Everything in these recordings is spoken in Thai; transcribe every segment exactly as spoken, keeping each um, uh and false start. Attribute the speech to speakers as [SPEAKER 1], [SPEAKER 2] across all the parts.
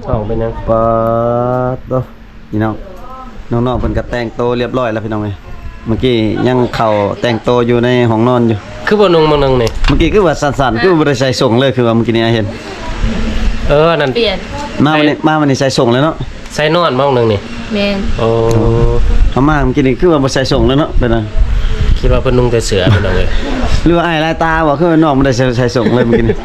[SPEAKER 1] ช่องเป็นยัง
[SPEAKER 2] ปะโตพี่น้องน้องๆเพิ่นก็แต่งโตเรียบร้อยแล้วพี่น้องเอ้ยเมื่อกี้ยังเข้าแต่งโตอยู่ในห้องนอนอยู่
[SPEAKER 1] คือบ่นุ่งบ่นึงนี่
[SPEAKER 2] เมื่อกี้คือว่าสั่นๆคือบ่ได้ใส่ส่งเลยคือว่าเมื่อกี้นี้เห็น
[SPEAKER 1] เออนั่น
[SPEAKER 3] เปลี่ยน
[SPEAKER 2] มาวันนี้มาวันนี้ใส่ส่งเลยเนาะ
[SPEAKER 1] ใส่นอนบ่นึงนี่
[SPEAKER 3] แม่น
[SPEAKER 1] โอ้
[SPEAKER 2] เอามาเมื่อกี้นี้คือว่าบ่ใส่ส่งเลยเนาะเป็นน่ะ
[SPEAKER 1] คิดว่าเพิ่นนุ่งแต่เสื้อพี่น้องเอ้ย
[SPEAKER 2] หรือว่าอ้ายลายตาบ่คือน้องบ่ได้ใส่ส่งเลยเมื่อกี้นี้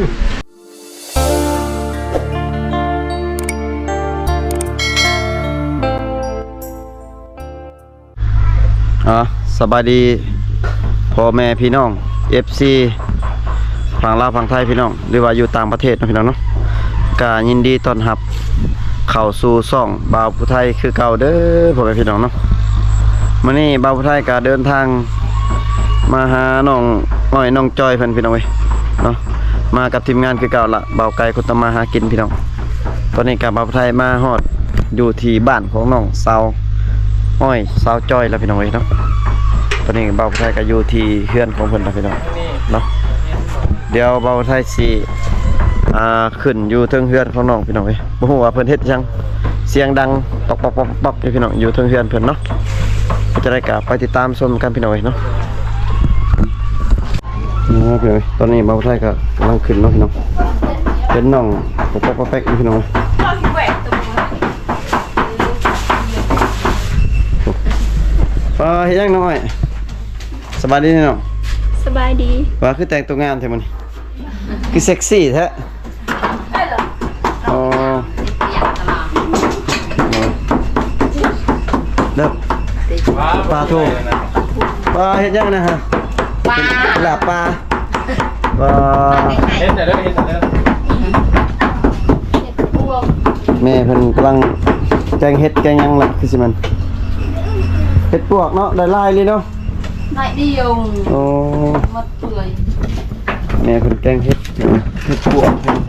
[SPEAKER 2] อ๋อสบายดีพ่อแม่พี่น้อง เอฟ ซี ฝั่งลาวฝั่งไทยพี่น้องหรือว่าอยู่ต่างประเทศนะพี่น้องเนาะก็ยินดีต้อนรับเข้าสู่ช่องบ่าวผู้ไทยคือเก่าเด้อพ่อแม่พี่น้องเนาะมื้อนี้บ่าวผู้ไทยก็เดินทางมาหาน้องอ้อยน้องจอยเพิ่นพี่น้องเว้ยเนาะมากับทีมงานคือเก่าละบ่าวไก่คนตมาหากินพี่น้องตอนนี้ก็บ่าวผู้ไทยมาฮอดอยู่ที่บ้านของน้องสาวอ้อยสาวจอยแล้วพี่น้องเว้ยเนาะตอนนี้บ่าวผู้ไทยก็อยู่ที่เฮือนของเพิ่นแล้วพี่น้องเนาะเดี๋ยวบ่าวไทยสิอ่าขึ้นอยู่เทิงเฮือนของน้องพี่น้องเว้ยบ่ฮู้ว่าเพิ่นเฮ็ดจังเสียงดังตอกปอกๆๆพี่น้องอยู่เทิงเฮือนเพิ่นเนาะจะได้กลับไปติดตามชมกันพี่น้องเว้ยเนาะนี่ครับพี่น้องตอนนี้บ่าวไทยก็กำลังขึ้นเนาะพี่น้องเป็นน้องปอกๆแป๊กๆพี่น้องเออเฮ็ดยังน้อยสบายดีเนาะ
[SPEAKER 3] สบายดี
[SPEAKER 2] ว่าคือแต่งตัวงามแท้มื้อนี้คือเซ็กซี่แท้อ๋อเด้อปลาทูปลาเฮ็ดยังนะฮะปลาลาบปลาปลา
[SPEAKER 1] เฮ็ดแต่เด้อเฮ็ดแต่เด้อ
[SPEAKER 2] แม่เพิ่นกำลังแกงเฮ็ดแกงยังล่ะคือสิมันเฮ็ดปวกเนาะได้ลายเลยเนาะ
[SPEAKER 3] ลายเดียว
[SPEAKER 2] โอ้
[SPEAKER 3] หมดเปื่อย
[SPEAKER 2] แม่เพิ่นแกงเฮ็ดเฮ็ดปวก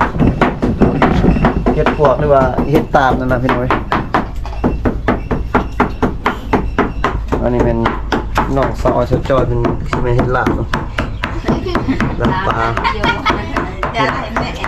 [SPEAKER 2] เฮ็ดปวกหรือว่าเฮ็ดตาบนั่นน่ะพี่น้อยอันนี้เป็นน้องสาวสจอยเป็นสิมาเฮ็ดลาบเนาะลาบปลา
[SPEAKER 3] จะให้แม่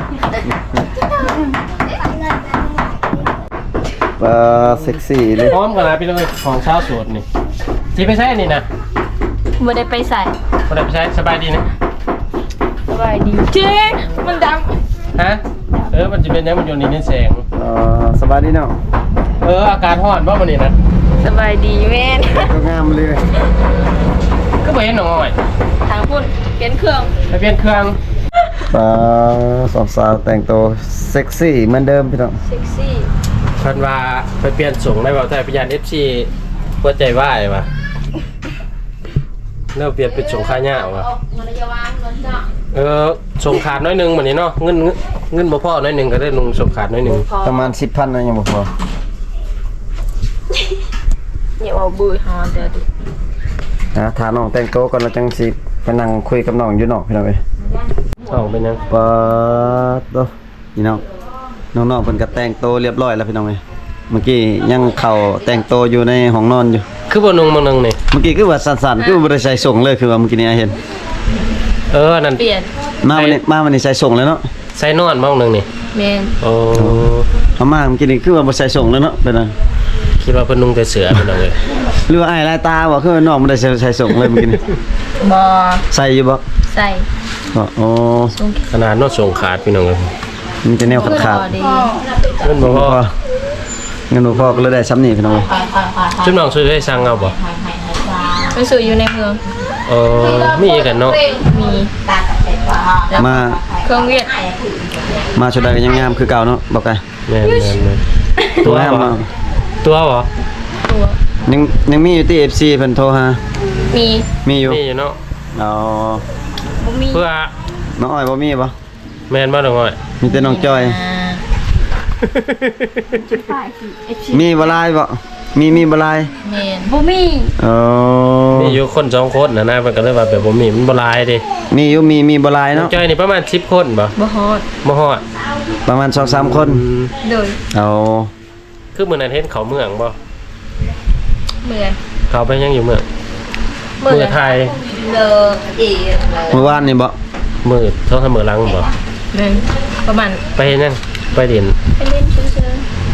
[SPEAKER 2] ปลาเซ็กซี่เลย
[SPEAKER 1] พร้อมกันนะพี่น้องของชาวสวนนี่สิไปใช้นี่นะ
[SPEAKER 3] บ่ได้ไปใส่
[SPEAKER 1] บ่ได้ไปใช้สบายดีนะ
[SPEAKER 3] สบายดีเจ๊มันด
[SPEAKER 1] ำฮะเออมันจะเป็นยังมันอยู่ในนี่แสง
[SPEAKER 2] เออสบายดีเนาะ
[SPEAKER 1] เอออากาศร้อนบ่มื้อนี้นะ
[SPEAKER 3] สบายดีแม่น
[SPEAKER 2] ก็งามเลย
[SPEAKER 1] ก็บ่เห็นน้อย
[SPEAKER 3] ทางพุ่นเปลี่ยนเครื่อง
[SPEAKER 1] ไปเปลี่ยนเครื่อง
[SPEAKER 2] ปลาสองสาวแต่งตัวเซ็กซี่เหมือนเดิมพี่น้อง
[SPEAKER 3] เซ็กซี่
[SPEAKER 1] เพิ่นว่าไปเปลี่ยนส่งได้บ่แต่พยาน เอฟ ซี หัวใจวายว่ะแล้วเปลี่ยนเป็นส่งค่าหญ้าว่ะเออส่งขาดน้อยนึงมื้อนี้เนาะเงินเงินบ่พอน้อยนึงก็ได้ลงส่งขาดน้อยนึง
[SPEAKER 2] ประมาณ สิบพัน นะยังบ่พอ
[SPEAKER 3] อย่าเอาบื้อฮอนเด้อดิ
[SPEAKER 2] นะถามน้องแต่งตัวก่อนแล้วจังสิไปนั่งคุยกับน้องอยู่นอกพี่น้องเอ้ย
[SPEAKER 1] ช่องเป็นยัง
[SPEAKER 2] ปะโตพี่น้องน้องๆเพิ่นก็แต่งตัวเรียบร้อยแล้วพี่น้องเอ้ยเมื่อกี้ยังเข้าแต่งตัวอยู่ในห้องนอนอยู่
[SPEAKER 1] คือบ่นุ่งบ่นึงนี่
[SPEAKER 2] เมื่อกี้คือว่าสั่นๆคือบ่ได้ใส่ส่งเลยคือว่าเมื่อกี้นี้เห็น
[SPEAKER 1] เออนั่น
[SPEAKER 3] เปลี่ยน
[SPEAKER 2] มาวันนี้มาวันนี้ใส่ส่งเลยเนาะ
[SPEAKER 1] ใส่นอนบ่นึงนี่
[SPEAKER 3] แม่น
[SPEAKER 1] โอ้
[SPEAKER 2] เอามาเมื่อกี้นี้คือว่าบ่ใส่ส่งแล้วเนาะเป็นน่ะ
[SPEAKER 1] คิดว่าเพิ่นนุ่งแต่เสื้อพี่น้องเอ้ย
[SPEAKER 2] หรือว่าอ้ายลายตาบ่คือน้องบ่ได้ใส่ส่งเลยเมื่อกี้นี้
[SPEAKER 3] บ่
[SPEAKER 2] ใส่อยู่บ่
[SPEAKER 3] ใส่
[SPEAKER 2] โอ้
[SPEAKER 1] ขนาดนอนส่งขาดพี่น้องเอ้ย
[SPEAKER 2] มีแต่แนวขาด
[SPEAKER 1] ๆเงินบ่พอ
[SPEAKER 2] เงินบ่พอก็เลยได้ซ้ำนี่พี่น้อง
[SPEAKER 1] จุ๊บน้องซื้อให้สั่งเอาบ่
[SPEAKER 3] ไปซื้ออยู่ในเมือง
[SPEAKER 1] เออมีกันเนาะ
[SPEAKER 3] มี
[SPEAKER 2] มา
[SPEAKER 3] เครื่องเวียด
[SPEAKER 2] มาชุดใดก็ยังงามคือเก่าเนาะบอกไง
[SPEAKER 1] แม่นๆ
[SPEAKER 2] ตัวงามเนาะ
[SPEAKER 1] ตัวบ่
[SPEAKER 3] ตัว
[SPEAKER 2] ยังยังมีอยู่ที่ เอฟ ซี เพิ่นโทรหา
[SPEAKER 3] มี
[SPEAKER 2] มีอยู่
[SPEAKER 1] มีอยู่เนาะ
[SPEAKER 2] อ๋อ
[SPEAKER 3] บ่มี
[SPEAKER 1] เพื่อ
[SPEAKER 2] น้องอ้อยบ่มีบ่
[SPEAKER 1] แม่นบ่น้องอ้อย
[SPEAKER 2] มีแต่น้องจอยมีบ่ลายบ่มีมีบ่ลาย
[SPEAKER 3] แม่นบ่มี
[SPEAKER 2] อ๋อ
[SPEAKER 1] มีอยู่คนสองคนน่ะนะเพิ่นก็เลยว่าแบบบ่มีมันบ่ลายดิ
[SPEAKER 2] มีอยู่มีมีบ่ลายเนาะ
[SPEAKER 1] จอยนี่ประมาณสิบคนบ่
[SPEAKER 3] บ่ฮอด
[SPEAKER 1] บ่ฮอด
[SPEAKER 2] ประมาณ สองสาม คน
[SPEAKER 3] โดย
[SPEAKER 2] เอา
[SPEAKER 1] คือมื้อนั้นเห็นเขาเมืองบ่
[SPEAKER 3] เมือง
[SPEAKER 1] เขาไปยังอยู่เมืองเมืองไทย
[SPEAKER 3] เลอเอ
[SPEAKER 2] เมื่อวานนี่บ่
[SPEAKER 1] มื้อเท่ามื้อหลังบ่
[SPEAKER 3] แม่นประมาณ
[SPEAKER 1] ไปเฮ็ดหยังไปเรียน
[SPEAKER 3] ไปเล่นเฉย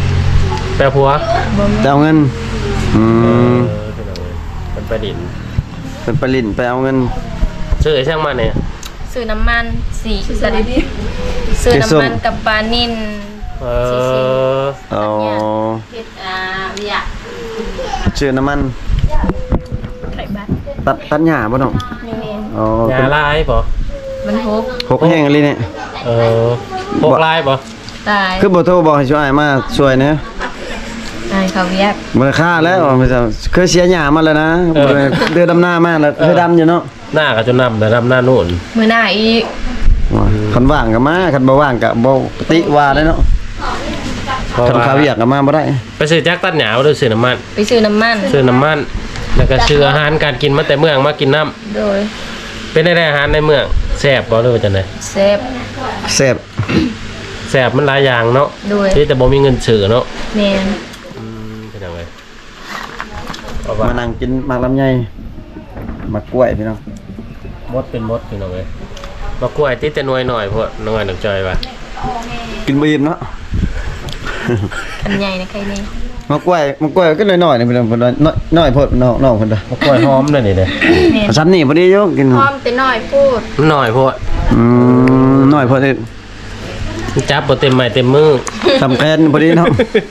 [SPEAKER 1] แปลผัว
[SPEAKER 3] บ่มี
[SPEAKER 2] แต่เอาเงินอื
[SPEAKER 1] เอ
[SPEAKER 2] ม
[SPEAKER 1] อพี่น้องเอ้ยมันไปดิน
[SPEAKER 2] เป็นปลินไปเอาเงิน
[SPEAKER 1] ซื้อไอ้ช่างมันเนี่ย
[SPEAKER 3] ซื้อน้ำมันสีสันซื้อน้ำมันกับปลานิ่น
[SPEAKER 1] เอ
[SPEAKER 3] สีสี
[SPEAKER 1] อ
[SPEAKER 2] เอา
[SPEAKER 3] เฮ็ดอ่าเวีย
[SPEAKER 2] ชื่อน้ำมัน
[SPEAKER 3] ไข่บัตร
[SPEAKER 2] ตัดตัดหญ้าบ่น้อง
[SPEAKER 3] นี่แม่น
[SPEAKER 2] อ๋อย
[SPEAKER 1] าลายป่ะ
[SPEAKER 3] มันฮก
[SPEAKER 2] หกแห้งอะไรเนี่ย
[SPEAKER 1] เออพวกลายป่ะ
[SPEAKER 3] ตาย
[SPEAKER 2] คือบ่โทรบอกให้ช่วยมาช่วยนะ
[SPEAKER 3] ตายเขาเวียก
[SPEAKER 2] บ่ได้ค่าแล้วมันจะเคยเสียหญ้ามาแล้วนะบ่ได้เดือดดำหน้ามาแล้วเคยดำอยู่เนาะ
[SPEAKER 1] หน้าก็จะนำแต่นำหน้านู่น
[SPEAKER 3] มื้อหน้าอีก
[SPEAKER 2] ว่าคันว่างก็มาคันบ่ว่างก็บ่ปฏิว่าได้เนาะ
[SPEAKER 1] เพราะ
[SPEAKER 2] คัน
[SPEAKER 1] ว่า
[SPEAKER 2] ข้าวเวียกก็มาบ่ได้
[SPEAKER 1] ไปซื้อแจ็คตัดหยาวหรือซื้อน้ำมัน
[SPEAKER 3] ไปซื้อน้ำมัน
[SPEAKER 1] ซื้อน้ำมัน แล้วก็ซื้ออาหารการกินมาแต่เมืองมากินน้
[SPEAKER 3] โดย
[SPEAKER 1] ำเป็นได้อาหารในเมืองแซ่บบ่หรือว่าจังได
[SPEAKER 3] เซฟ
[SPEAKER 2] แซ่บ
[SPEAKER 1] แซ่บมันหลายอย่างเนาะ
[SPEAKER 3] โดย
[SPEAKER 1] ที่แต่บ่มีเงินซื้อเนาะ
[SPEAKER 3] แม่น
[SPEAKER 1] อืมเป็นจังไดเพราะว่า
[SPEAKER 2] มานั่งกินหมากลำไยหมากกล้วยพี่น้อง
[SPEAKER 1] มดเป็นมดพี่น้องเอ้ยมากล้วยติดแต่หน่วยหน่อยพวกน้อยหนักจอยว่า
[SPEAKER 2] กินบ่อิ่มเนาะ
[SPEAKER 3] คันใหญ่นะใครนี่
[SPEAKER 2] หมากกล้วยหมากกล้วยก็น้อยๆนี่พี่น้องเพิ่นว่าน้อยน้อยโพดน้องน้องเพิ่นว่าม
[SPEAKER 1] ากล้วยหอมนั่นนี่เด้
[SPEAKER 3] แม่น
[SPEAKER 2] เอาซ้ำนี่พอดีอยู่กิน
[SPEAKER 3] พร้อมแต่น้อยพูด
[SPEAKER 1] มันน้อยพวก
[SPEAKER 2] อืมน้อยพอดี
[SPEAKER 1] จับบ่เต็มไม้เต็มมือ
[SPEAKER 2] สำคัญพอดีเนาะ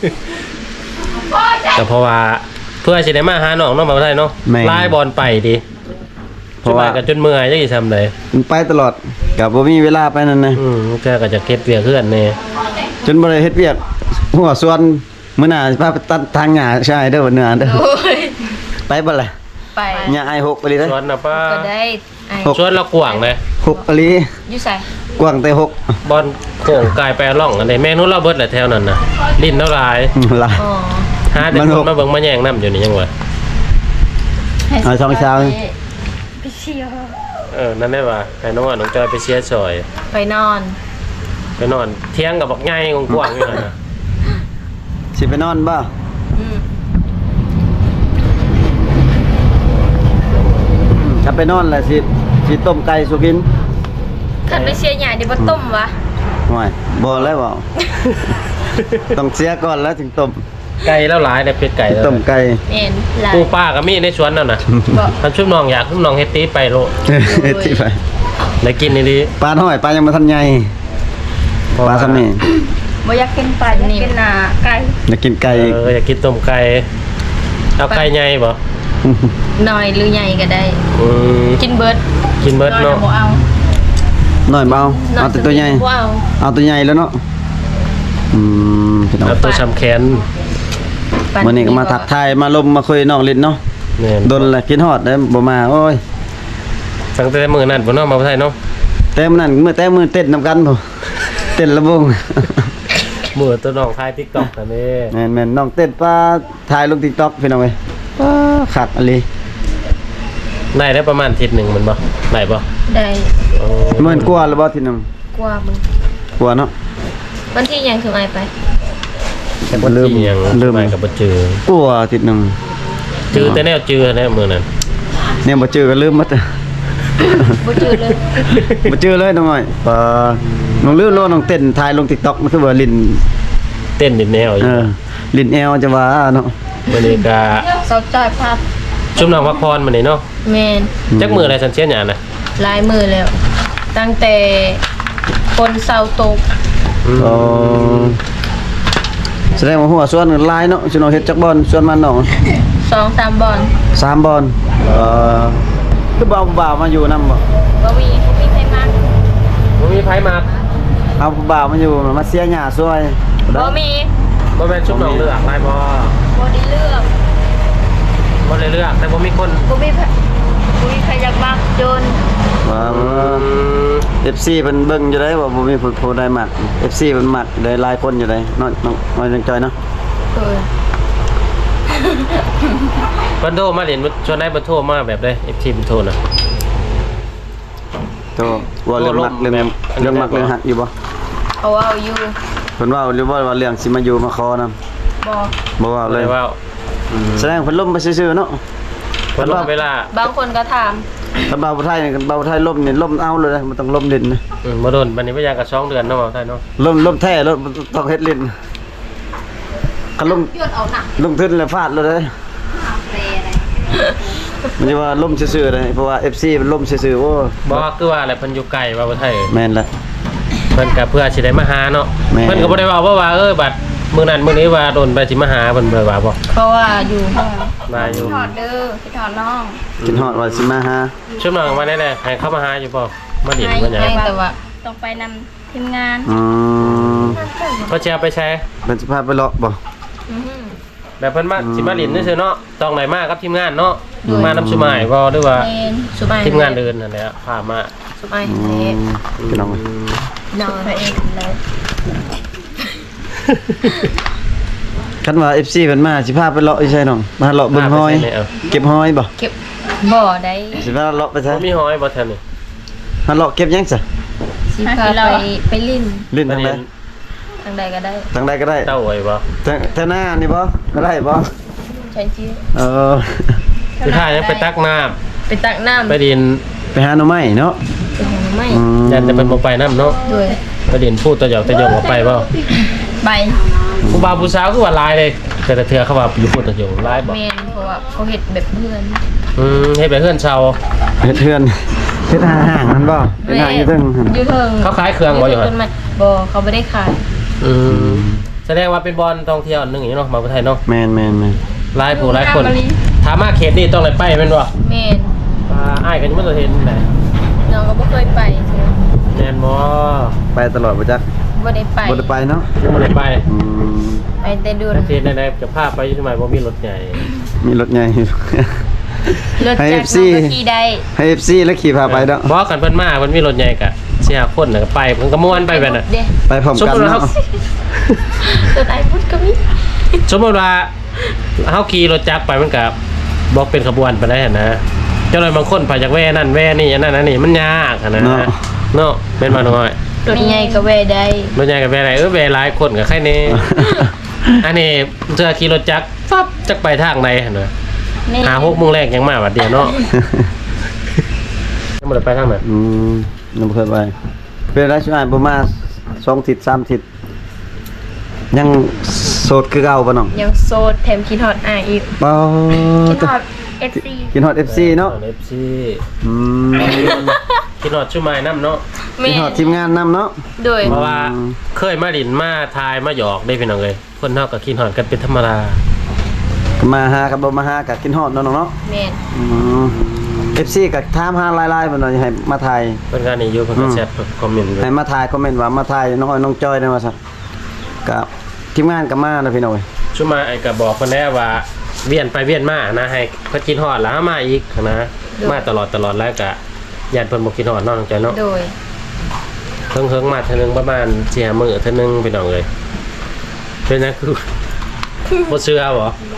[SPEAKER 1] แต่เพราะว่าเพื่อสิได้มาหาน้องเนาะมาได้เนาะ
[SPEAKER 2] แม่น
[SPEAKER 1] ลายบอลไปดิ
[SPEAKER 2] เพราะว่า
[SPEAKER 1] จนไปก็จนเมื่อยจังสิทำได้
[SPEAKER 2] มันไปตลอดก็บ่มีเวลาไปนั่นนะ
[SPEAKER 1] อืมแกก็จะเก็บเวียกเพื่อนแน่
[SPEAKER 2] จนบ่ได้เฮ็ดเวียกหัวส่วนมื้อหน้าสิพาไปตัดทางหญ้าใช่เด้อวันเนื้อเด้อ
[SPEAKER 3] โอ้ย
[SPEAKER 2] ไปบ่ล่ะ
[SPEAKER 3] ไป
[SPEAKER 2] หญ้าไอ้หกไปเลยเด้อ
[SPEAKER 1] ชวนน่ะป้า
[SPEAKER 3] ก็ได้ไอ้
[SPEAKER 2] หก
[SPEAKER 1] ชวนเรากว่างเลย
[SPEAKER 2] หกไปเลย
[SPEAKER 3] อยู่ใส่
[SPEAKER 2] กว้างแต่หก
[SPEAKER 1] บอลโก่งกายแปรร่องอันนี้แม่นู้นเราเบิดแหละแถวนั้นน่ะลิ้นเท่าหลาย
[SPEAKER 2] ล่ะ
[SPEAKER 3] อ๋อ
[SPEAKER 1] หาแต่
[SPEAKER 2] มัน
[SPEAKER 1] ค
[SPEAKER 2] ห
[SPEAKER 1] น
[SPEAKER 2] ก
[SPEAKER 1] มาเบิ่งมาแย่งน้ำอยู่นี่ยังวะ
[SPEAKER 2] เอาช่องเช้า
[SPEAKER 3] ไปเชียว
[SPEAKER 1] เออนั่นได้ว่าให้น้องอ่ะน้องจอยไปเชียร์ซอย
[SPEAKER 3] ไปนอน
[SPEAKER 1] ไปนอนเที่ยงกับบักไงกว้างๆอยู่นั่นน่ะ
[SPEAKER 2] สิไปนอนบ่
[SPEAKER 3] อืม
[SPEAKER 2] ถ้าไปนอนแล้วสิสิต้มไก่สุกิน
[SPEAKER 3] คันไปเชียร์ใหญ่เดี๋ยวบ่ต้มวะ
[SPEAKER 2] ห่วยบ่แล้วบ่ ต้องเสียก่อนแล้วถึงต้ม
[SPEAKER 1] ไก่แล้วหลายเนี่ยเป็ดไก่แล้ว
[SPEAKER 2] ต้มไก่
[SPEAKER 3] แม่นหลาย
[SPEAKER 1] ปูป้าก็มีในสวนนั่นน่ะ
[SPEAKER 3] บ่
[SPEAKER 1] ท่านชุบน้องอยากชุบน้องเฮ็ดตีไปโลด
[SPEAKER 2] ที่ไป
[SPEAKER 1] ได้กินนี่ดี
[SPEAKER 2] ปลาน้อยปลายังบ่ทันใหญ่ปลาซ้ำนี่
[SPEAKER 3] บ่อยากกินปลาอยากกินหน้าไก่
[SPEAKER 2] อยากกินไก่
[SPEAKER 1] เอออยากกินต้มไก่เอาไก่ใหญ่บ่
[SPEAKER 3] น้อยหรือใหญ่ก็ได้
[SPEAKER 1] อืม
[SPEAKER 3] กินเบิด
[SPEAKER 1] กินเบิด
[SPEAKER 3] น้อย
[SPEAKER 1] เนาะ
[SPEAKER 3] บ่เอา
[SPEAKER 2] น้อยเบาเอาแต่ตัวใหญ่
[SPEAKER 3] บ่เอา
[SPEAKER 2] เอาตัวใหญ่แล้วเนาะอืมพี่น้อง
[SPEAKER 1] เอาตัวช้ำแขน
[SPEAKER 3] ปล
[SPEAKER 2] วันนี้ก็มาทักทายมาลมมาคุยน้องลิ้นเนาะ
[SPEAKER 1] แม่น
[SPEAKER 2] โดนแหละกินฮอดได้บ่มาโอ้ย
[SPEAKER 1] ตั้งแต่มื้อนั้นบ่เนาะมาไทยเนาะ
[SPEAKER 2] แต่มื้อนั้นมื้อแต่มื้อเต้นนำกันบ่ เต้นระวง
[SPEAKER 1] มื้อตัวน้องถ่าย TikTok นั่นเด้
[SPEAKER 2] แม่นๆน้องเต้นปลาถ่ายลง TikTok พี่น้องเอ้ยปลาคักอะลี
[SPEAKER 1] ได้ได้ประมาณอาทิศนึงมันบ่ได้บ่
[SPEAKER 3] ได้
[SPEAKER 1] โอ้
[SPEAKER 2] หมื่นกว่าแล้วบ่ทีหนึง
[SPEAKER 3] กว่ามึง
[SPEAKER 2] กว่าเนาะ
[SPEAKER 3] วันที่ยังถึงไอไป
[SPEAKER 1] บ่ลืมยัง
[SPEAKER 2] ลืม
[SPEAKER 1] ไปก็บ่เจอก
[SPEAKER 2] ว่าทีหนึง
[SPEAKER 1] จือแต่แนวจือแน่มื้อนั้น
[SPEAKER 2] เนี่ยบ่เจอก็ลืมหมด
[SPEAKER 3] บ่จืดเลย
[SPEAKER 2] บ่เจอเลยน้องอ้อยปลาน้องลืมโลน้องเต้นถ่ายลง TikTok มันคือว่าลิ้น
[SPEAKER 1] เต้นดินแนวอ
[SPEAKER 2] เอยู่ อลิ้นแอวจะว่าเนาะ
[SPEAKER 1] มื้อนี้ก็
[SPEAKER 3] เสาจอยภาพ
[SPEAKER 1] ชุมน้องพักพรมื้อนี้เนาะ
[SPEAKER 3] แมน
[SPEAKER 1] จักมื้ออะไรสันเชียนหยังน่ะ
[SPEAKER 3] ลายมือแล้ว ตั้งแต่คนเสาตก
[SPEAKER 1] อืม
[SPEAKER 2] อ๋อแสดงว่าหัวส่วนหลายเนาะสิน้องเฮ็ดจักบอลส่วนมันน้อง
[SPEAKER 3] สองสามบอล
[SPEAKER 2] สามบอลเอ่อคือบ่าวบ่าวมาอยู่นำบ่
[SPEAKER 3] บ่มีบ่มีใครมา
[SPEAKER 1] บ่มีไผมา
[SPEAKER 2] เอาบ่าวมาอยู่มาเสียหญ้าซวย
[SPEAKER 3] บ่มี
[SPEAKER 1] บ่แม่นชุมน้องเลือกได้บ่
[SPEAKER 3] บ่ได้เลือก
[SPEAKER 1] บ่ได้เลือกแต่บ่มีคน
[SPEAKER 3] บ่มีใครบ่มีใครอยากมักจน
[SPEAKER 2] ว่า
[SPEAKER 1] อืม
[SPEAKER 2] เอฟ ซี เพิ่นเบิ่งอยู่ได้ว่าบ่มีผู้ผู้ใดมัก เอฟ ซี เพิ่นมักได้หลายคนอยู่ได้น้อยน้องน้อยจังจอยเนาะ
[SPEAKER 3] เออ
[SPEAKER 1] เพิ่นโทรมาเล่นชวนได้เพิ่นโทรมาแบบใด เอฟ ซี เพิ่นโทรน่ะ
[SPEAKER 2] โตว่าเรื่องมักเรื่องเรื่องมักเรื่องฮักอยู่บ่
[SPEAKER 3] เขาเอาอยู่
[SPEAKER 2] เพิ่นว่าหรือว่าว่าเรื่องสิมาอยู่มาขอนำ
[SPEAKER 3] บ่
[SPEAKER 2] บ่ว่า
[SPEAKER 1] บ่
[SPEAKER 2] เลย
[SPEAKER 1] ได้ว่า
[SPEAKER 2] แสดงเพิ่นล่มไปซื่อๆเนาะ
[SPEAKER 1] เพิ่นรอเวลา
[SPEAKER 3] บางคนก็ถาม
[SPEAKER 2] คันบ่าวไทยนี่คันบ่าวไทยล่มนี่ล่มเอาเลยนะมันต้องล่มดินนะ
[SPEAKER 1] อืมบ่โดนบัดนี้บ่อยางก็สองเดือนเนาะว่าไทยเนาะ
[SPEAKER 2] ล่มล่มแท้ล่มต้องเฮ็ดลิ้นคันลง
[SPEAKER 3] ยอดเอาหนัก
[SPEAKER 2] ลงทุนแล้วฟาดเลยเด้อ
[SPEAKER 3] เปรอะไร
[SPEAKER 2] มันจะว่าล่มซื่อๆเลยเพราะว่า เอฟ ซี มันล่มซื่อๆโอ้
[SPEAKER 1] บ่คือว่าอะไรเพิ่นอยู่ไกลว่าบ่ไทย
[SPEAKER 2] แม่นละ
[SPEAKER 1] เพิ่นก็เพื่อสิได้มาหาเนาะ
[SPEAKER 2] แม่
[SPEAKER 1] เพิ่นก็บ่ได้เว้าว่าว่าเออบัดมื้อนั้นมื้อนี้ว่าโดนไปสิมาหาเพิ่นบ่ได้ว่าบ่
[SPEAKER 3] เพราะว่าอยู่ห้อง
[SPEAKER 1] มาอยู่
[SPEAKER 3] ถอดเด้อพี่ถอดน้อง
[SPEAKER 2] กินฮอดว่าสิมาหา
[SPEAKER 1] ช่วงหลังมาแน่ๆให้เข้ามาหาอยู่บ่มาดิน
[SPEAKER 3] ให้
[SPEAKER 1] มาหยัง
[SPEAKER 3] ให้แต่ว่าต้องไปนำทีมงาน
[SPEAKER 2] อืม
[SPEAKER 1] เขาสิเอาไปแชร์
[SPEAKER 2] เพิ่นสิพาไปเลาะบ่
[SPEAKER 3] อื้อหือ
[SPEAKER 1] แบบเพิ่นมา
[SPEAKER 2] อืม
[SPEAKER 1] สิมาดินซื่อๆเนาะต้องไหนมากับทีมงานเนาะมานำสุมายบ่หรือว่า
[SPEAKER 3] เมนสุบาย
[SPEAKER 1] ทีมงานเดินนั่นแหละพามา
[SPEAKER 3] สุบาย
[SPEAKER 2] อื
[SPEAKER 3] เฮ็ด
[SPEAKER 2] มพี่น้อง
[SPEAKER 3] นอนไปเองเลย
[SPEAKER 2] คันว่า เอฟ ซี เพิ่นมาสิพาไปเลาะอีใช่น้องมาเลาะเบิ่งหอย เก็บหอยบ่
[SPEAKER 3] เก็บบ่อได้
[SPEAKER 2] สิพาเลาะไป
[SPEAKER 1] บ่
[SPEAKER 2] ใช่
[SPEAKER 1] มีหอยบ่แถวนี้
[SPEAKER 2] มาเลาะเก็บหยังซะ
[SPEAKER 3] สิพาไปไปลิ้น
[SPEAKER 2] ลิ้นทางใด
[SPEAKER 3] ทางใดก็ได้
[SPEAKER 2] ทางใดก็ได้
[SPEAKER 1] เต้าไว้บ่
[SPEAKER 2] ทางทางหน้านี่บ่ก็ได้บ่
[SPEAKER 3] ใช้ชื่อ
[SPEAKER 2] เออ
[SPEAKER 1] คือถ้ายังไปตักน้ำ
[SPEAKER 3] ไปตักน้ำ
[SPEAKER 1] ไปดิน
[SPEAKER 2] ไปหาหน่อไม้เนาะ
[SPEAKER 3] ไปหาไม่
[SPEAKER 2] อืม
[SPEAKER 1] ยันจะเป็นบ่ไปน้ำเนาะ
[SPEAKER 3] ด้วย
[SPEAKER 1] ไปดินพูดตะหยอกตะหยอกบ่ไปบ่
[SPEAKER 3] ไป
[SPEAKER 1] ผู้บ่าวผู้สาวคือว่าหลายเลยแต่ละเทื่อเขาว่าอยู่พูดตะหยอกหลายบ่
[SPEAKER 3] เมนเพราะว่าเขาเห็ดแบบเพื่อน
[SPEAKER 1] อืมเฮ็ดแบบเฮือนชาว
[SPEAKER 2] เฮ็ดเทือนเฮ็ดห่างๆมันบ่เฮ็ดห่างอยู่เทึงหั่น
[SPEAKER 3] อยู่เทิง
[SPEAKER 1] เขาขายเครื่องบ่อยู่หั่น
[SPEAKER 3] ต้นไม้บ่เขาไม่ได้ขาย
[SPEAKER 1] อืมแสดงว่าเป็นบอลท่องเที่ยวอันหนึงอย่างนี้เนาะมาประเทศไทยเนาะ
[SPEAKER 2] แม่นแม่นแม่น
[SPEAKER 1] หลายผู้หลายคนถามมาเขตนี้ต้องเลยไปแม่นบ่
[SPEAKER 3] เมน
[SPEAKER 1] อ่าอ้ายกันยังบ่ได้เห็นไหน
[SPEAKER 3] น้องก็บ่เคยไปใช่ไหม
[SPEAKER 1] แม่นบ่
[SPEAKER 2] ไปตลอดบ่จัก
[SPEAKER 3] บ่ได้ไป
[SPEAKER 2] บ่ได้ไปเนาะ
[SPEAKER 1] ยังบ่ได้ไป
[SPEAKER 2] อืม
[SPEAKER 3] ไปแต่ดู
[SPEAKER 1] ประเทศใดๆจะพาไปอยู่ทำไมบ่มีรถใหญ่
[SPEAKER 2] มีรถใหญ่
[SPEAKER 3] รถ
[SPEAKER 2] ให้
[SPEAKER 3] จักร
[SPEAKER 2] เอฟซี
[SPEAKER 3] น้องก็ขี่ได้
[SPEAKER 2] ให้ เอฟ ซี แล้วขี่พาไปเนาะ
[SPEAKER 1] บ่กันเพิ่นมาเพิ่นมีรถใหญ่ก็สิหาคนน่ะก็ไปเพิ่นก็ม่วนไปแบบน่ะ
[SPEAKER 3] เด้
[SPEAKER 2] ไปพร้อม
[SPEAKER 1] สม
[SPEAKER 2] กัน
[SPEAKER 1] มุติว่า
[SPEAKER 2] เนาะ
[SPEAKER 1] เฮา
[SPEAKER 3] ตัวไหนพุดก็มี
[SPEAKER 1] สมมุติว่าเฮาขี่รถจักรไปมันก็บ่เป็นขบวนไปได้หั่นนะเจ้าหน่อยบางคนไปจากแว่นั่นแว่นี่อันนั้นอันนี้มันยากอะนะเนาะเป็นมาหน่อย
[SPEAKER 3] รถใหญ่ก็แวะได้
[SPEAKER 1] รถใหญ่กับแว่ไหนเออแว่หลายคนกับใครนี่ อันนี้เจอขี่รถจักรฟับจักไปทางใดหั่นน่ะ
[SPEAKER 3] แม่
[SPEAKER 1] หาหกโมงแรกยังมาบัดเดียวเนาะ ยังบ่ได้ไปทางนั้น
[SPEAKER 2] อืมยังบ่เคยไปเป็นไรช่วยบ่มาสองทิศสามทิศยังโสดคือเก่าบ่น้อง
[SPEAKER 3] ยังโสดแถมคิดฮอดอ่างอีก
[SPEAKER 2] บ่
[SPEAKER 3] คิดฮอด เอฟ ซี
[SPEAKER 2] กินฮอด เอฟ ซี เนาะ
[SPEAKER 1] เอฟซี
[SPEAKER 2] อืม
[SPEAKER 1] คิดฮอดชุมายน้ำเนาะ
[SPEAKER 3] แม่
[SPEAKER 2] กินฮอดทีมงานนํเนาะ
[SPEAKER 3] โดย
[SPEAKER 1] เพราะว่าเคยมาดินมาทายมาหยอกได้พี่น้องเลยคนเฮาก็คิดฮอดกันเป็นธรรมดา
[SPEAKER 2] มาหากับบ่มาหากับกินฮอดเนาะน้องเนาะ
[SPEAKER 3] แม่น
[SPEAKER 2] อืม เอฟ ซี ก็ถามหาหลายๆเพิ่นว่าให้มาถ่าย
[SPEAKER 1] เพิ่นก็นี่อยู่เพิ่นก็แชทคอมเมนต์อยู่
[SPEAKER 2] ให้มาถ่ายคอมเมนต์ว่ามาถ่ายน้องอ้อยน้องจอยได้ว่าซั่นกับทีมงานก็มานะพี่น้องเอ้ย
[SPEAKER 1] ชุมายไอ้ก็บอกเพิ่นแล้วว่าเวียนไปเวียนมานะให้เพิ่นคิดฮอดแล้วหามาอีกนะมาตลอดตลอดแล้วก็ญาติเพิ่นบ่คิดฮอดเนาะน้องใจเนาะ
[SPEAKER 3] โดย
[SPEAKER 1] เพิ่งเพิ่งมาเท่านึงประมาณเจียมือเท่านึงไปหน่องเลยเป็นนะคือ บ่เชื่อบ่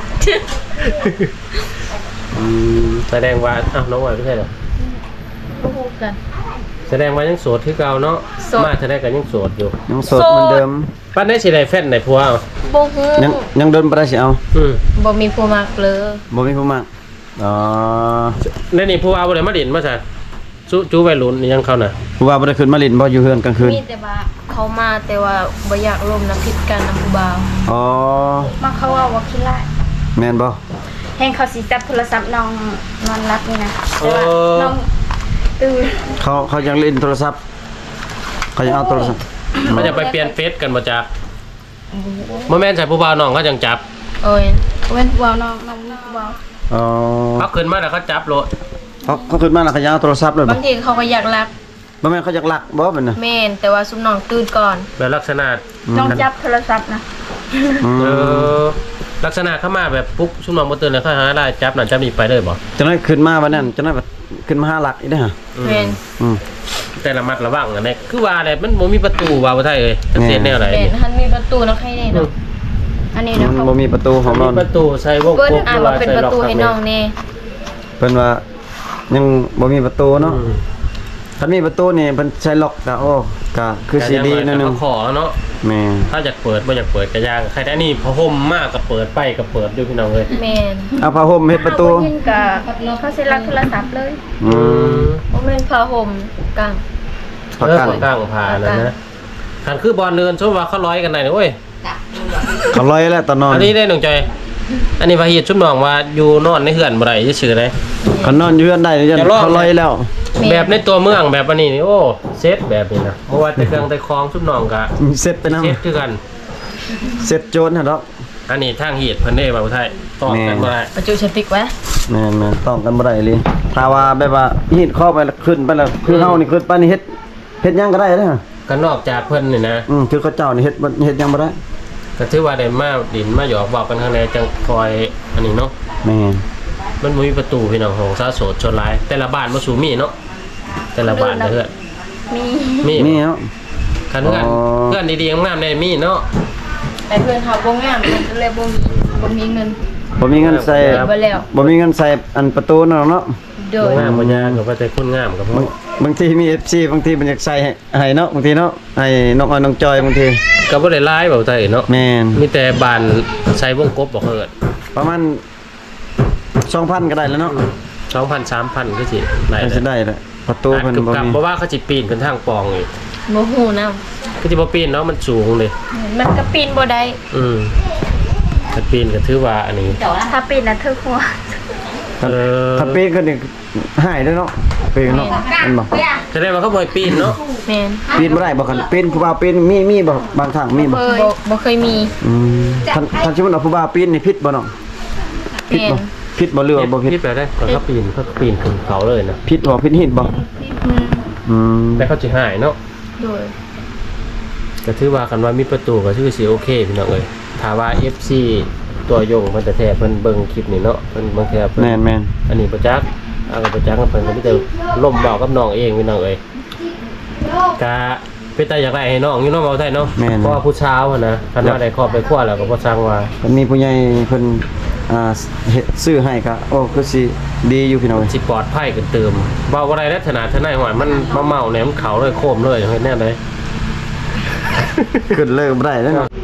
[SPEAKER 1] อืมแสดงว่าอ้าวน้องไหวไม่ใช่เหรอ
[SPEAKER 3] ก็พูดกัน
[SPEAKER 1] แสดงว่ายังโสดคือเก่าเนาะ
[SPEAKER 3] โสด
[SPEAKER 1] มาแสดงก็ยังโสดอยู่
[SPEAKER 2] ยังโสดเหมือนเดิม
[SPEAKER 1] ปั้นได้สิได้แฟนได้ผัวเอา
[SPEAKER 3] บ่ฮู้
[SPEAKER 2] ยังยังเดินบ่ได้สิเอา
[SPEAKER 1] อืม
[SPEAKER 3] บ่มีผู้มักเลย
[SPEAKER 2] บ่มีผู้มากอ๋อ
[SPEAKER 1] ในนี่ผัวเอาบ่ได้มาดินมาซะจูจูวัยรุ่นนี่ยังเข้าน่ะ
[SPEAKER 2] ผู้ว่าบ่ได้ขึ้นมาลินบ่อยู่เฮือนกลางคืน
[SPEAKER 3] มีแต่ว่าเขามาแต่ว่าบ่อยากร่วมน้ำพิษกันน้ำผู้บ่าว
[SPEAKER 2] อ๋อ
[SPEAKER 4] มาเขาว่าว่าคิดไร
[SPEAKER 2] แม่นบ่
[SPEAKER 4] แห่งเขาสิจับโทรศัพท์น้องนอนรับนี่นะ
[SPEAKER 1] โอ้
[SPEAKER 4] แต่ว่าน้องตื่น
[SPEAKER 2] เขาเขายังเล่นโทรศัพท์เขายังเอาโทรศัพท์
[SPEAKER 1] มันจะไปเปลี่ยนเฟซกันบ่จ๊ะบ่แม่นใส่ผู้บ่าวน้องเขาจังจับ
[SPEAKER 3] โอ้ย
[SPEAKER 4] เว้นผู้เบาน้องน้องผู้เบา
[SPEAKER 2] อ๋อ
[SPEAKER 1] เขาขึ้นมาแล้วเขาจับโลด
[SPEAKER 2] เขาเขาขึ้นมาแล้วเขายังเอาโทรศัพท์เลยบ่
[SPEAKER 3] บางทีเขาก็อยากรัก
[SPEAKER 2] บ่แม่นเขาอยากลักบ่เป็นน่ะ
[SPEAKER 3] แม่นแต่ว่าซุมน้องตื่นก่อน
[SPEAKER 1] แบบลักษณะ
[SPEAKER 4] ต้องจับโทรศัพท์นะ
[SPEAKER 2] อืม
[SPEAKER 1] เออลักษณะเข้ามาแบบปุ๊บชุมนองบ่ตื่นเลยเขาหาได้จับนั่นจับนี่ไปเลยบ่
[SPEAKER 2] จังได๋ขึ้นมาวันนั้นจังได๋ขึ้นมาหาหลักอีกเด้อฮะ
[SPEAKER 3] แม่น
[SPEAKER 2] อืม
[SPEAKER 1] แต่ละมัดระวังอันนี้คือว่าอะไรมันบ่มีประตูว่าบ่ไทยเอ้ยจักเสียแนวไหน
[SPEAKER 3] แม่นหันมีประตูเนาะใครแน่เนาะอันนี้
[SPEAKER 2] มั
[SPEAKER 3] เนาะ
[SPEAKER 2] น
[SPEAKER 3] เขา
[SPEAKER 2] บ่มีประตูของ
[SPEAKER 1] มี
[SPEAKER 2] นอน
[SPEAKER 1] ประตูใส่วง
[SPEAKER 3] เปิ้น
[SPEAKER 1] กบ
[SPEAKER 3] อ่านว่าเป็นประตูให้น้องแน่
[SPEAKER 2] เพิ่นว่ายังบ่มีประตูเนาะ
[SPEAKER 1] อืม
[SPEAKER 2] ถ้ามีประตูนี่เพิ่นใช้ล็อกก็โอ้ก็คือสิดีนั่นนึง
[SPEAKER 1] ขอเนาะ
[SPEAKER 2] แม่
[SPEAKER 1] ถ้าอยากเปิดบ่อยากเปิดก็ยากใครได้นี่พอห่มมากก็เปิดไปก็เปิดด้วยพี่น้องเอ้ย
[SPEAKER 3] แม่น
[SPEAKER 2] เอาผ้าห่มเฮ็ดประตู
[SPEAKER 4] เขายินกับเขาสิรับโทรศัพท์เลย
[SPEAKER 2] อืม
[SPEAKER 3] บ่แม่นผ้าห่มกลาง
[SPEAKER 2] ประ
[SPEAKER 1] เออ
[SPEAKER 2] กัน
[SPEAKER 1] คนกลางผ่านั่นนะคันคือบอลเดินชมว่าเขาร้อยกันไหนเว้ย
[SPEAKER 2] เขาลอยแล้วตอนนอน
[SPEAKER 1] อันนี้ได้น้องจอยอันนี้ว่าเฮ็ดชุบน้องว่าอยู่นอนในเฮือนบ่ได้ซื่อๆเด้
[SPEAKER 2] เขานอนอยู่เฮือนได้ยัน
[SPEAKER 1] จะลอก
[SPEAKER 2] เขาลอยแล้ว
[SPEAKER 1] แบบในตัวเมืองแบบอันนี้นี่โอ้เซตแบบนี้นะเพราะว่าแต่เครื่องแต่คองชุบน้องก็
[SPEAKER 2] เซ็ตไปนำ
[SPEAKER 1] เซตคือกัน
[SPEAKER 2] เซ็ตโจรหั่นดอก
[SPEAKER 1] อันนี้ทางเฮ็ดเพิ่นได้บ่าวไทยต้องกันบ่ได้
[SPEAKER 3] ประจุชติกไว้
[SPEAKER 2] แม่นๆต้องกันบ่ได้เลยถ้าว่าแบบว่าหีดเข้าไปแล้วขึ้นไปแล้วคือเฮานี่ขึ้นไปนี่เฮ็ดเฮ็ดหยังก็ได้เด้อ
[SPEAKER 1] ก็นอกจากเพิ่นนี่นะ
[SPEAKER 2] อืมคือเขาเจ้านี่เฮ็ดบ่เฮ็ดหยังบ่ได้
[SPEAKER 1] ก็ถือว่าได้มาดินมาหยอกบอกกันข้างในจังคอยอันนี้เนาะ
[SPEAKER 2] แม่น
[SPEAKER 1] มันบ่มีประตูพี่น้องของซาโสดชนหลายแต่ละบ้านบ่สูมีเนาะแต่ละบ้านเด้อ
[SPEAKER 4] มี
[SPEAKER 1] มี
[SPEAKER 2] มีเนาะ
[SPEAKER 1] คันเพื่อน
[SPEAKER 2] อ๋อ
[SPEAKER 1] เพื่อนดีๆงามๆได้มีเนาะ
[SPEAKER 3] แต่เพื่อนเขาบ่งามมันก็เลยบ่มีบ่มีเงิน
[SPEAKER 2] บ่มีเงินใส่
[SPEAKER 3] บ่แล้ว
[SPEAKER 2] บ่มีเงินใส่อันประตูนั่นหรอกเนาะ
[SPEAKER 3] โดย
[SPEAKER 1] งามบ่ยากก็ว่าแต่คนงามก็พ
[SPEAKER 2] บา
[SPEAKER 1] อง
[SPEAKER 2] บางทีมี เอฟ ซี บางทีมันอยากใส่ให้ให้เนาะบางทีเนาะให้น้องอ้อยน้องจอยบางที
[SPEAKER 1] ก็บ่ได้หลายเบาไทยเนาะ
[SPEAKER 2] แม่น
[SPEAKER 1] มีแต่บ้านใส่วงกบบ่เฮิด
[SPEAKER 2] ประมาณ สองพัน ก็ได้แล้วเนาะ
[SPEAKER 1] สองพัน สามพันก็สิได้
[SPEAKER 2] ก็สิได้แหละประตู
[SPEAKER 1] อาจ
[SPEAKER 2] เพิ่น
[SPEAKER 1] กึบ
[SPEAKER 2] บ่
[SPEAKER 1] กับ
[SPEAKER 2] มี
[SPEAKER 1] เพราะว่าเขาสิปีนขึ้นทางปองอีก
[SPEAKER 3] บ่ฮู้นำ
[SPEAKER 1] ก็สิบ่ปีนเนาะมันสูงเลย
[SPEAKER 3] มันก็ปีนบ่ได้
[SPEAKER 1] อืมถ้าปีนก็ถือว่าอันนี้
[SPEAKER 4] ถ้าปิดนะเธอหัว
[SPEAKER 1] เออ
[SPEAKER 2] ถ้าปีนก็นี่หายเด้อเนาะปีนเนาะมันบ่
[SPEAKER 1] แสดงว่าเขาบ่ให้ปีนเนาะ
[SPEAKER 3] แม่น
[SPEAKER 2] ปีนบ่ได้บ่คันปีนผู้บ่าวปีนมีมีบ่บางทางมีบ่
[SPEAKER 3] บ่บ่เคยมี
[SPEAKER 2] อืมท่านท่านสิว่าเอาผู้บ่าวปีนนี่ผิดบ่เนาะผิด
[SPEAKER 3] แม่น
[SPEAKER 2] บ่ผิดบ่เรือว่าบ่ผิด
[SPEAKER 1] ผิดไปได้ก่อนเขาปีนเขาปีนขึ้นเขาเลยนะ
[SPEAKER 2] ผิดบ่ผิดหินบ่
[SPEAKER 3] อืม
[SPEAKER 2] อืม
[SPEAKER 1] แต่เขาสิหายเนาะ
[SPEAKER 3] โดย
[SPEAKER 1] ก็ถือว่ากันว่ามีประตูก็ถือสิโอเคพี่น้องเอ้ยถ้าว่า เอฟ ซี ตัวยงเพิ่นแต่แท้เพิ่นเบิ่งคลิปนี่เนาะเพิ่นบางแท้เพิ่น
[SPEAKER 2] แม่นแม่น
[SPEAKER 1] อันนี้บ่จักเอาก็บ่จักกับเพิ่นก็มีแต่ล่มเว้ากับน้องเองพี่น้องเอ้ยก็เป็นตาอยากได้ให้น้องอยู่เนาะเว้าได้เนาะเพราะว่าผู้ชาวอะนะคันว่าได้ครอบได้ครัวแล้วก็บ่สั่งว่า
[SPEAKER 2] เพิ่นมีผู้ใหญ่เพิ่นอ่าเฮ็ดซื้อให้ก็โอ้คือสิดีอยู่พี่น้อง
[SPEAKER 1] สิปลอดภัยกันเติมเว้าบ่ได้ลักษณะทนายหอยมันมาเมาเนี่ยมันเข้าเลยโคมเลยเฮ็ดแน่เลย
[SPEAKER 2] ขึ้นเลยบ่ได้แล้วเนาะ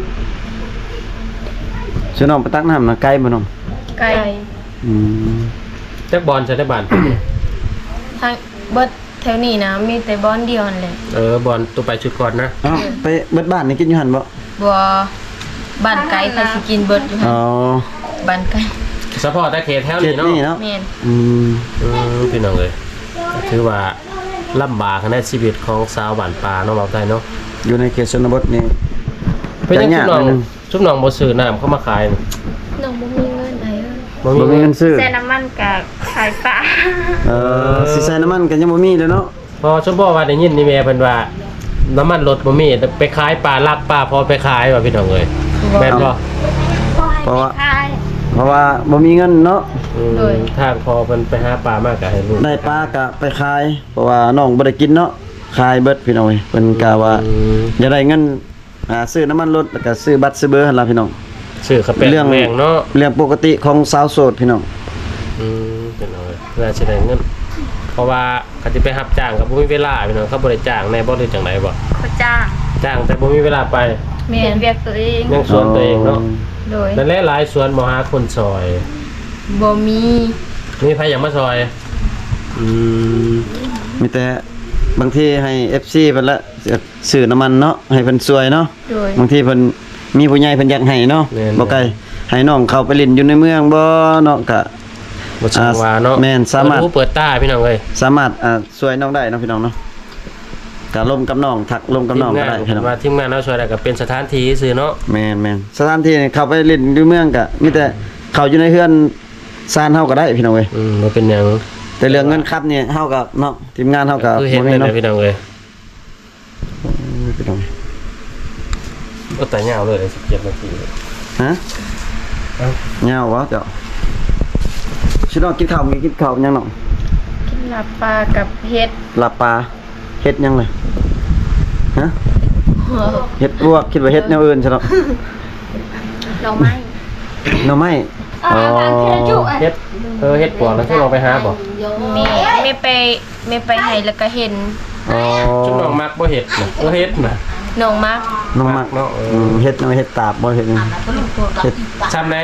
[SPEAKER 2] ชื่อน้องไปตักน้ำนะไกลบ่น้อง
[SPEAKER 3] ไกล
[SPEAKER 2] อืม
[SPEAKER 1] จักบอลใช้ได้บ้าน
[SPEAKER 3] ทางเบิดแถวนี้นะมีแต่บอนเดียวนั่นแหละ
[SPEAKER 1] เออบอลตัวไปชุดก่อนนะ
[SPEAKER 2] เอ้าไปเบิดบ้านนี่กินอยู่หั่นบ่
[SPEAKER 3] บ่บ้านไกลใครสิกินเบิดอยู่หั่
[SPEAKER 2] อ๋
[SPEAKER 3] น
[SPEAKER 2] อ
[SPEAKER 3] บ้านไกล
[SPEAKER 1] สปอร์ตแต่เขตแถว
[SPEAKER 2] เข
[SPEAKER 1] นี้
[SPEAKER 2] ต
[SPEAKER 1] เนาะ
[SPEAKER 2] นี่เนาะ
[SPEAKER 3] แม่น
[SPEAKER 2] อืม
[SPEAKER 1] อืมพี่น้องเลยถือว่าลำบากในชีวิตของสาวบ้านป่าเนาะเราได้เนาะ
[SPEAKER 2] อยู่ในเขตชนบทนี่
[SPEAKER 1] เป็นยัง
[SPEAKER 2] จะ
[SPEAKER 1] ชุบน้อง
[SPEAKER 2] ยากหน่อยนึง
[SPEAKER 1] ชุบน้องบ่ซื้อน้ำเข้ามาขาย
[SPEAKER 3] น้องบ่มีเงินไอ้เอ้ย
[SPEAKER 1] บ่
[SPEAKER 2] บ่มี
[SPEAKER 1] มี
[SPEAKER 2] เงิ
[SPEAKER 1] เงิ
[SPEAKER 2] น
[SPEAKER 1] น
[SPEAKER 2] ซื้อ
[SPEAKER 4] ใส่น้ำมันกับขายปลา
[SPEAKER 2] เออสิใส่น้ำมันก็ยังบ่มีเลยเนาะ
[SPEAKER 1] พอชมพ่อว่าได้ยินนี่แม่เพิ่นว่าน้ำมันรถบ่มีแต่ไปขายปลาลักปลาพอไปขายว่าพี่น้องเอ้ยแม่นบ่
[SPEAKER 2] เพราะว่า
[SPEAKER 4] ขาย
[SPEAKER 2] เพราะว่าบ่มีเงินเนาะ
[SPEAKER 1] อืมทางพอเพิ่นไปหาปลามากก็ให้ลูก
[SPEAKER 2] ได้ปลาก็ไปขาย เพราะว่าน้องบ่ได้กินเนาะขายเบิดพี่น้องเอ้ยเพิ่นกะว่า
[SPEAKER 1] อืม
[SPEAKER 2] อย่าได้เงินอ่าซื้อน้ำมันรถแล้วก็ซื้อบัตรซื้อเบอร์หั่นล่ะพี่น้อง
[SPEAKER 1] ซื้อกระเป๋า
[SPEAKER 2] เรื่อง
[SPEAKER 1] แมงเนาะ
[SPEAKER 2] เรื่องปกติของสาวโสดพี่น้อง
[SPEAKER 1] อืมพี่น้องเอ้ยเพื่อสิได้เงินเพราะว่าเขาสิไปรับจ้างก็บ่มีเวลาพี่น้องเขาบ่ได้จ้างแน่บ่ได้จังไดบ่
[SPEAKER 4] เขาจ้าง
[SPEAKER 1] จ้างแต่บ่มีเวลาไป
[SPEAKER 3] แม่
[SPEAKER 4] เห็น
[SPEAKER 3] น
[SPEAKER 4] เวียกตัวเอง
[SPEAKER 1] ยังสวนตัวเองเนาะ
[SPEAKER 3] โดย
[SPEAKER 1] นั่นแหละหลายสวนบ่หาคนซอย
[SPEAKER 3] บ่มี
[SPEAKER 1] มีใครอยากมาซอยอืม
[SPEAKER 2] มีแต่บางทีให้ เอฟ ซี เพิ่นละซื้อน้ำมันเนาะให้เพิ่นช่วยเนาะ
[SPEAKER 3] โดย
[SPEAKER 2] บางทีเพิ่นมีผู้ใหญ่เพิ่นอยากให้เนาะบ่ไกลให้น้องเข้าไปเล่นอยู่ในเมืองบ่เนาะก็
[SPEAKER 1] บ่ช่างว่าเนาะ
[SPEAKER 2] แม่นสามารถ
[SPEAKER 1] เปิดหูเปิดตาพี่น้องเอ้ย
[SPEAKER 2] สามารถอ่าช่วยน้องได้เนาะพี่น้องเนาะก็ร่วมกับน้องทักร่วมกับน้องก็ได้พี่น้อง
[SPEAKER 1] ว่าทีมงานเราช่วยได้ก็เป็นสถานที่ซื่อเนาะ
[SPEAKER 2] แม่นแม่นสถานที่นี่เข้าไปเล่นอยู่เมืองก็มีแต่เข้าอยู่ในเฮือนซานเฮาก็ได้พี่น้องเอ้ย
[SPEAKER 1] อืมบ่เป็นหยัง
[SPEAKER 2] แต่เรื่องเงินครับเนี่ยเฮาก็เนาะทีมงานเฮาก็
[SPEAKER 1] คือเห็น
[SPEAKER 2] บ่
[SPEAKER 1] เลย
[SPEAKER 2] มี
[SPEAKER 1] นะ
[SPEAKER 2] เนาะ
[SPEAKER 1] พี่น้องเอ้ย
[SPEAKER 2] พี่น้อง
[SPEAKER 1] ก็แต่ยาวเลยสิบเจ็ดนาที
[SPEAKER 2] ฮะ
[SPEAKER 1] เอ้า
[SPEAKER 2] ยาววะเจ้าชิน้องกินข้าวมีกินข้าวยังเนาะ
[SPEAKER 3] กินลาบปลากับเห็ด
[SPEAKER 2] ลาบปลาเฮ็ดยังเลยฮะเฮ็ดลวกคิดว่าเฮ็ดแนวอื่นซะเนาะ
[SPEAKER 4] เราไม่
[SPEAKER 2] หน่อไม้อ๋อ
[SPEAKER 1] เฮ็ดเออเฮ็ดปวกแล้วที่ลองไปหาบ่
[SPEAKER 3] แม่แม่ไปแม่ไปให้แล้วก็เห็น
[SPEAKER 2] อ๋อ
[SPEAKER 1] ชุบน้องมักบ่เฮ็ดน่ะบ่เฮ็ดน่ะ
[SPEAKER 3] น้องมัก
[SPEAKER 2] น้องมัก
[SPEAKER 1] เนาะเออ
[SPEAKER 2] อืมเฮ็ดเนาะเฮ็ดตาบบ่เฮ็ดหยังเฮ็ด
[SPEAKER 1] ซ้ำไหน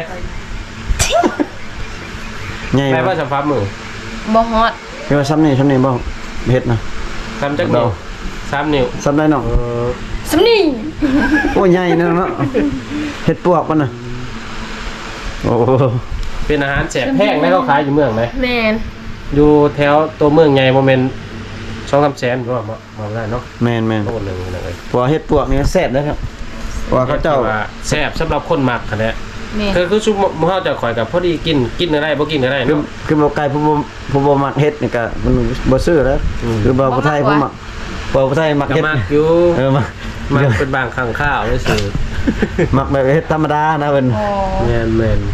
[SPEAKER 2] ใหญ่
[SPEAKER 1] แม่
[SPEAKER 2] บ่
[SPEAKER 1] ว่าสำฟ้ามือ
[SPEAKER 3] บ่ฮอด
[SPEAKER 2] เรียกว่าซ้ำนี่ซ้ำนี่บ่เฮ็ดนะ
[SPEAKER 1] ซ้ำจักนิ้วสามนิ้ว
[SPEAKER 2] ซ้ำได้เนาะ
[SPEAKER 1] เออ
[SPEAKER 3] สำนี
[SPEAKER 2] โอ้ใหญ่เนาะเนาะเฮ็ดปวกมันน่ะโอ้
[SPEAKER 1] เป็นอาหารแสบแห้งได้เขาขายอยู่เมืองไหม
[SPEAKER 3] แม่น
[SPEAKER 1] อยู่แถวตัวเมืองใหญ่โมเมนต์สองคำแสนหรือว่ามามาได้เนาะ
[SPEAKER 2] แม่นแม่น
[SPEAKER 1] โตหนึ่งเลย
[SPEAKER 2] เพราะว่าเฮ็ดปวกนี่แซ่บนะครับเพราะว่าเขาเจ้า
[SPEAKER 1] แซ่บสำหรับคนมักคะแนน
[SPEAKER 3] แม่น
[SPEAKER 1] คือคือชุบมื้อเฮาจะข่อยกับพอดีกินกินอะไรบ่กินอะไร
[SPEAKER 2] คือ
[SPEAKER 1] เนาะ
[SPEAKER 2] คือบ่ไกลผู้บ่ผู้บ่มักเฮ็ดนี่ก็มันบ่ซื้อแล้ว
[SPEAKER 1] อืม
[SPEAKER 2] คือบ่ผู้ไทยผู้มักบ่ผู้ไทยมัก
[SPEAKER 1] ก็
[SPEAKER 2] เฮ็ด
[SPEAKER 1] มักอยู่
[SPEAKER 2] เออมัก
[SPEAKER 1] มักเป็นบางครั้งข้าวเลยสิ
[SPEAKER 2] มักแบบเฮ็ดธรรมดานะเพิ่น
[SPEAKER 3] อ๋อ
[SPEAKER 1] แม่นแม่น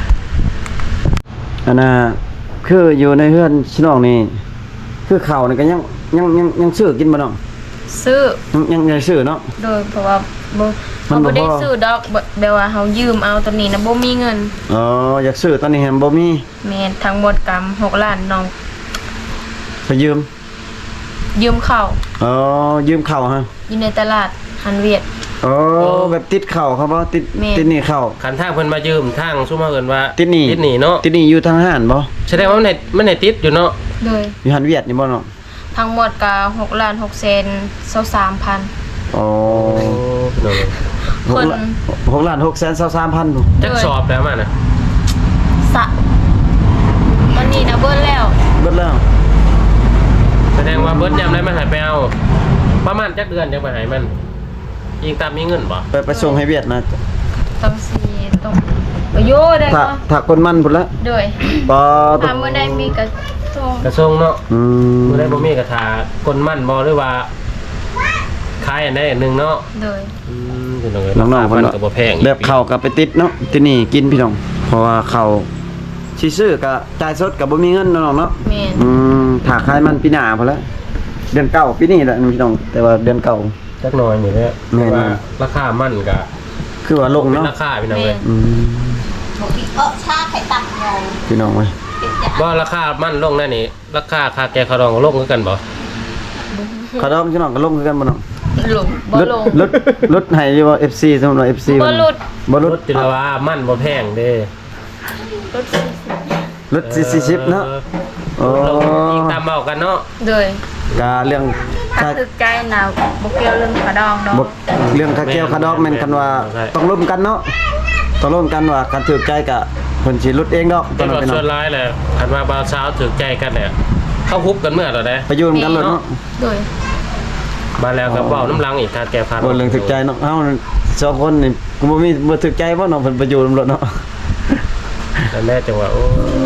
[SPEAKER 2] อันน่ะคืออยู่ในเฮือนชิน้องนี่คือข้าวนี่ก็ยังยังยังยังซื้อกินบ่น้อง
[SPEAKER 3] ซื้อ
[SPEAKER 2] ยังยังยังซื้อเนาะ
[SPEAKER 3] โดยเพราะว่าบ่
[SPEAKER 2] มัน
[SPEAKER 3] เขา
[SPEAKER 2] บ่
[SPEAKER 3] บ่ได้
[SPEAKER 2] พอ
[SPEAKER 3] ซื้อดอกแบบแบบว่าเฮายืมเอาตัวนี้นะบ่มีเงิน
[SPEAKER 2] อ๋ออยากซื้อตอนนี้แฮมบ่มี
[SPEAKER 3] แม่นทั้งหมดกรรมหกล้านน้อง
[SPEAKER 2] ไปยืม
[SPEAKER 3] ยืมเข้า
[SPEAKER 2] อ๋อยืมข้าวฮะ
[SPEAKER 3] อยู่ในตลาดฮันเวียด
[SPEAKER 2] อ๋อแบบติดข้าวเขาบ่ติด
[SPEAKER 3] แม่
[SPEAKER 2] ติดหนี่ข้าว
[SPEAKER 1] คันทางเพิ่นมายืมทางซุมเฮาเอิ้นว่า
[SPEAKER 2] ติดหนี่
[SPEAKER 1] ติดหนี้เนาะ
[SPEAKER 2] ติดหนี่อยู่ทางห้านบ่
[SPEAKER 1] แสดงว่ามันได้มันได้ติดอยู่เนาะ
[SPEAKER 3] โดย
[SPEAKER 2] อยู่หันเวียดนี่บ่เนาะ
[SPEAKER 3] ทั้งหมดก็หกล้านหกแสนยี่สิบสามพัน
[SPEAKER 2] อ๋อ
[SPEAKER 1] โอ้พี่น้องเอ้ย
[SPEAKER 2] หก
[SPEAKER 3] คน
[SPEAKER 2] ล้านหกล้านหกแสนสามสามพันบ่
[SPEAKER 1] จักสอบแล้วมันน่ะ
[SPEAKER 3] สะตอนนี้นะเบิ้ลแล้ว
[SPEAKER 2] เบิดแล้ว
[SPEAKER 1] แสดงว่าเบิดยามได้มันหายไปเอาประมาณจักเดือนจังไปหายมันยิงตามมีเงินบ่
[SPEAKER 2] ไปไปส่งให้เวียดนะ
[SPEAKER 3] ต้องสีต้องไปโยได้
[SPEAKER 2] ถ้า
[SPEAKER 3] ก็
[SPEAKER 2] ถ้าคนมันพุ่นละ
[SPEAKER 3] โดย
[SPEAKER 2] ปอ
[SPEAKER 3] ถ้าเมื่อใดมีกระทง
[SPEAKER 1] กระทรวงเนาะ
[SPEAKER 2] อืม
[SPEAKER 1] บ่ได้บ่มีกระถาคนมั่นบ่หรือว่าขายอันใดอันหนึงเนาะ
[SPEAKER 3] โดย
[SPEAKER 1] อืมพี่น้องเอ้ย
[SPEAKER 2] น้องๆ
[SPEAKER 1] มั
[SPEAKER 2] เพิ่น
[SPEAKER 1] น
[SPEAKER 2] ว่า
[SPEAKER 1] ก็บ่แพง
[SPEAKER 2] แบบข้าวก็ไปติดเนาะที่นี่กินพี่น้องเพราะว่าข้าวสิซื้อก็จ่ายสดก็บ่มีเงินเนาะน้องเนาะ
[SPEAKER 3] แม่น
[SPEAKER 2] อืมถ้าขายมันปีหน้าพุ่นละเดือนเก้าปีนี้แหละพี่น้องแต่ว่าเดือนเก้า
[SPEAKER 1] จักหน่อยนี่แหละ
[SPEAKER 2] แม่น
[SPEAKER 1] ว่าราคามันก็
[SPEAKER 2] คือว่าลง
[SPEAKER 1] เป็น
[SPEAKER 2] เนาะ
[SPEAKER 1] ราคาพี่น้องเอ้ย
[SPEAKER 2] อืม
[SPEAKER 4] เออชาไข่ตับงง
[SPEAKER 2] พี่น้องเว้ย
[SPEAKER 1] บ่ราคามันลงนั่นนี่ราคาค่าแกงข้าวดองก็ลงคือกันบ่
[SPEAKER 2] ขอดอมพี่น้องก็ลงคือกันบ่น้อง
[SPEAKER 3] หลงบ่
[SPEAKER 2] ลด
[SPEAKER 3] ลง
[SPEAKER 2] ลดลดให้อยู่ว่า เอฟ ซี สำหรับ เอฟ ซี
[SPEAKER 3] บ่ลด
[SPEAKER 2] บ่ล
[SPEAKER 1] ร
[SPEAKER 2] ด
[SPEAKER 1] ถจิรว่ามันบ่แพงเด้
[SPEAKER 3] รถสี่สิบ
[SPEAKER 2] ลดสี่สิบเนาะ
[SPEAKER 1] เออลงอีกตามเว้ากันเนาะ
[SPEAKER 3] โดย
[SPEAKER 2] กาเรื่อง
[SPEAKER 4] ถ้า
[SPEAKER 2] ค่า
[SPEAKER 4] ตึกใจนะบ่เกี่ยวเรื่องกระดองดอก
[SPEAKER 2] บเรื่องค่าแก้วค่าดอกแม่นคันว่าต้องร่วมกันเนาะต้องร่วมกันว่าคันถูกใจก็เพิ่นสิลดเองดอกตอ
[SPEAKER 1] เป็น น
[SPEAKER 2] นั้น
[SPEAKER 1] ว่า
[SPEAKER 2] พี่น้อ
[SPEAKER 1] ส่วน
[SPEAKER 2] ง
[SPEAKER 1] ร้ายแหละคันว่าบ่าวสาวถึกใจกันเนี่ยเข้าคุกกันเมื่อแล้วเด้
[SPEAKER 2] ไปอยู่นำกันเลยเนาะ
[SPEAKER 3] โดย
[SPEAKER 1] มาแล้วก็เว้าน้ำลังอีกค่าแกงข้าวด
[SPEAKER 2] บ่
[SPEAKER 1] อง
[SPEAKER 2] เรื่องถูกใจเนาะเอ้าสองคนนี่กูบ่มีบ่ถูกใจบ่เนาะเพิ่นไปอยู่นำรถเนาะ
[SPEAKER 1] นั่นแหละจังว่าโอ้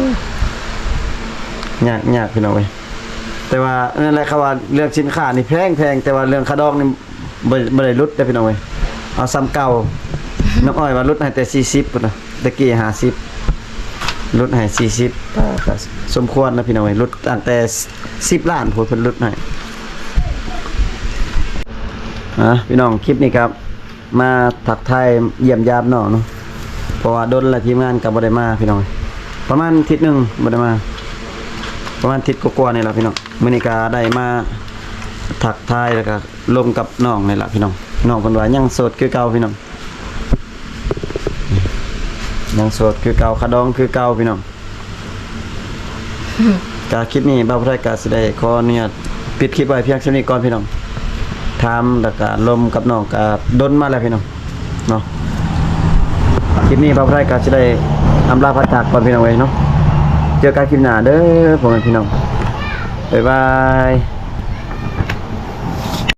[SPEAKER 2] ยากยากพี่น้องเว้ยแต่ว่านั่นแหละครับว่าเรื่องสินค้านี่แพงแพงแต่ว่าเรื่องค่าดอกนี่บ่บ่ได้ลดเด้อพี่น้องเว้ยเอาซ้ำเก่าน้องอ้อยว่าลดให้แต่สี่สิบพุ่นน่ะตะกี้ห้าสิบลดให้สี่สิบก็ก็สมควรนะพี่น้องเว้ยลดตั้งแต่สิบล้านพุ่นเพิ่นลดให้อ่ะพี่น้องคลิปนี้ครับ มาทักทายเยี่ยมยามน้องเนาะเพราะว่าดนและทีมงานก็บ่ได้มาพี่น้องเว้ยประมาณอาทิตย์หนึงบ่ได้มา ประมาณอาทิศกว่าๆนี่แหละพี่น้องมื้อนี้ก็ได้มาทักทายแล้วก็ลมกับน้องนี่แหละพี่น้องน้องเพิ่นว่ายังโสดคือเก่าพี่น้องยังโสดคือเก่าคาดองคือเก่าพี่น้องก็คลิปนี้บ่าวผู้ใดก็สิได้ขออนุญาตปิดคลิปไว้เพียงเท่านี้ก่อนพี่น้องถามแล้วก็ลมกับน้องก็ดนมาแล้วพี่น้องเนาะคลิปนี้บ่าวผู้ใดก็สิได้อำลาพัดจากก่อนพี่น้องเว้ยเนาะเจอกันคลิปหน้าเด้อพ่อแม่พี่น้อง บ๊ายบาย